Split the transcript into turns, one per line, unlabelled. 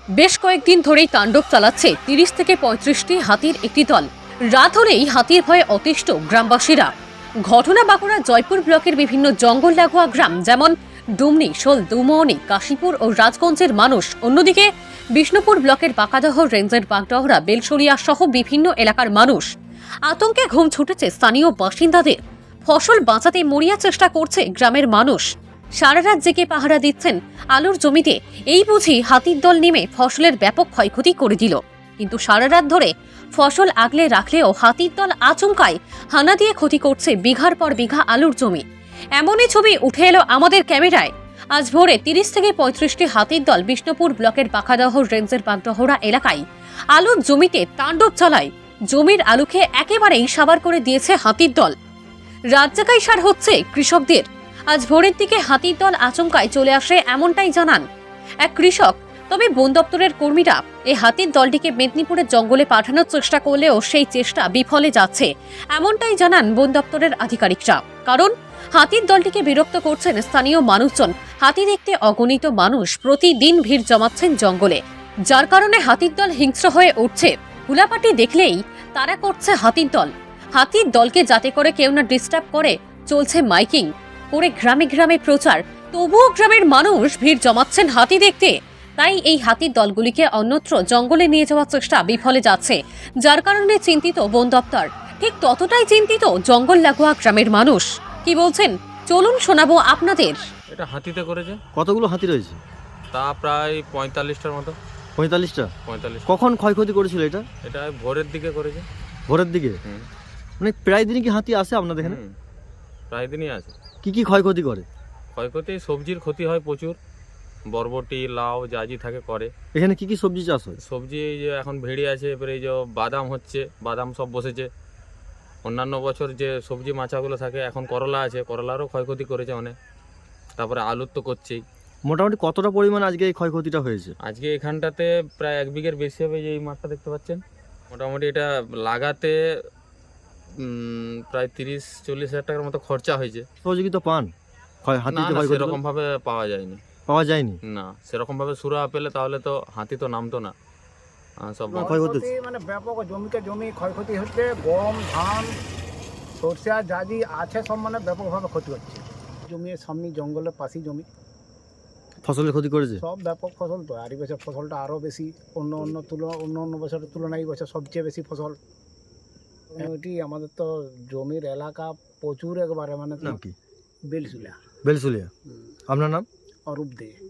বেশ কয়েকদিন ধরেই তাণ্ডব চালাচ্ছে ৩০ থেকে ৩৫টি হাতির একটি দল। রাত হলেই হাতির ভয়ে অতিষ্ঠ গ্রামবাসীরা। ঘটনা বাঁকুড়া জয়পুর ব্লকের বিভিন্ন জঙ্গল লাগোয়া গ্রাম যেমন ডুমনি, শোল, দুমোহনী, কাশীপুর ও রাজগঞ্জের মানুষ। অন্যদিকে বিষ্ণুপুর ব্লকের বাঁকাদহ রেঞ্জের বাগডহরা, বেলসরিয়া সহ বিভিন্ন এলাকার মানুষ। আতঙ্কে ঘুম ছুটেছে স্থানীয় বাসিন্দাদের। ফসল বাঁচাতে মরিয়া চেষ্টা করছে গ্রামের মানুষ। সারা রাত জেগে পাহারা দিচ্ছেন আলুর জমিতে। এই বুঝি হাতির দল নেমে ফসলের ব্যাপক ক্ষয়ক্ষতি করে দিল। কিন্তু সারা রাত ধরে ফসল আগলে রাখলেও হাতির দল আচমকায় হানা দিয়ে ক্ষতি করছে বিঘার পর বিঘা আলুর জমি। এমনই ছবি উঠে এলো আমাদের ক্যামেরায়। আজ ভোরে ৩০ থেকে ৩৫টি হাতির দল বিষ্ণুপুর ব্লকের বাঁকাদহ রেঞ্জের বাগডহরা এলাকায় আলুর জমিতে তাণ্ডব চালায়। জমির আলুকে একেবারেই সাবার করে দিয়েছে হাতির দল। রাত জাগাই সার হচ্ছে কৃষকদের। আজ ভোরের দিকে হাতির দল আচমকায় চলে আসে এমনটাই জানান এক কৃষক। তবে বন দপ্তরের কর্মীরা এই হাতির দলটিকে মেদিনীপুরের জঙ্গলে পাঠানোর চেষ্টা করলেও সেই চেষ্টা বিফলে যাচ্ছে, এমনটাই জানান বন দপ্তরের আধিকারিকরা। কারণ হাতির দলটিকে বিরক্ত করছেন স্থানীয় মানুষজন। হাতি দেখতে অগণিত মানুষ প্রতিদিন ভিড় জমাচ্ছেন জঙ্গলে, যার কারণে হাতির দল হিংস্র হয়ে উঠছে। হুলাপাটি দেখলেই তারা করছে হাতির দল। হাতির দলকে যাতে করে কেউ না ডিস্টার্ব করে চলছে মাইকিং করে গ্রামে গ্রামে প্রচার। তবুও গ্রামের মানুষ ভিড় জমাচ্ছেন হাতি দেখতে। তাই এই হাতির দলগুলিকে অন্যত্র জঙ্গলে নিয়ে যাওয়ার চেষ্টা বিফলে যাচ্ছে, যার কারণে চিন্তিত বন দপ্তর। ঠিক ততটাই চিন্তিত জঙ্গল লাগোয়া গ্রামের মানুষ। কি বলছেন চলুন শোনাবো আপনাদের।
এটা হাতিতে করেছে।
কতগুলো হাতি রয়েছে?
তা প্রায় ৪৫টার মতো।
৪৫টা?
৪৫।
কখন ক্ষয়ক্ষতি করেছিল এটা?
এটা ভোরের দিকে করেছে।
ভোরের দিকে? মানে প্রায় দিনই কি হাতি আসে আপনাদের এখানে?
প্রায় দিনই আছে।
কি কি ক্ষয়ক্ষতি করে?
ক্ষয়ক্ষতি সবজির ক্ষতি হয় প্রচুর। বরবটি, লাউ জাজি থাকে করে।
এখানে কি কি সবজি চাষ হয়?
সবজি এই যে এখন ভেড়ি আছে, এবারে এই যে বাদাম হচ্ছে, বাদাম সব বসেছে। অন্যান্য বছর যে সবজি মাচাগুলো থাকে, এখন করলা আছে, করলারও ক্ষয়ক্ষতি করেছে অনেক। তারপরে আলুর তো করছেই।
মোটামুটি কতটা পরিমাণ আজকে এই ক্ষয়ক্ষতিটা হয়েছে?
আজকে এখানটাতে প্রায় ১ বিঘের বেশি হবে। এই মাঠটা দেখতে পাচ্ছেন, মোটামুটি এটা লাগাতে প্রায় ৩০-৪০ হাজার টাকার মতো খরচা হয়েছে।
সহযোগিতা পান? হাতিতে
না,
ক্ষয়ক্ষতি
সেরকম ভাবে পাওয়া যায়নি।
পাওয়া যায়নি?
না, সেরকম ভাবে সুরা পেলে তাহলে তো হাতি তো নামতো না। সব
ক্ষয়ক্ষতি
মানে ব্যাপক জমিতে জমি ক্ষয়ক্ষতি হচ্ছে। গম, ধান, সরষা জাজি আছে, সব মানে ব্যাপকভাবে ক্ষতি হচ্ছে। জমির সামনে জঙ্গলের পাশেই জমি,
ফসলের ক্ষতি করেছে?
সব ব্যাপক ফসল তো। আর এই বছর ফসলটা আরও বেশি, অন্য বছরের তুলনায় এই বছর সবচেয়ে বেশি ফসল। ওইটি আমাদের তো জমির এলাকা প্রচুর, একবারে মানে
নাম কি?
বেলসুলা।
বেলসুলিয়া। আপনার নাম?
অরূপ দে।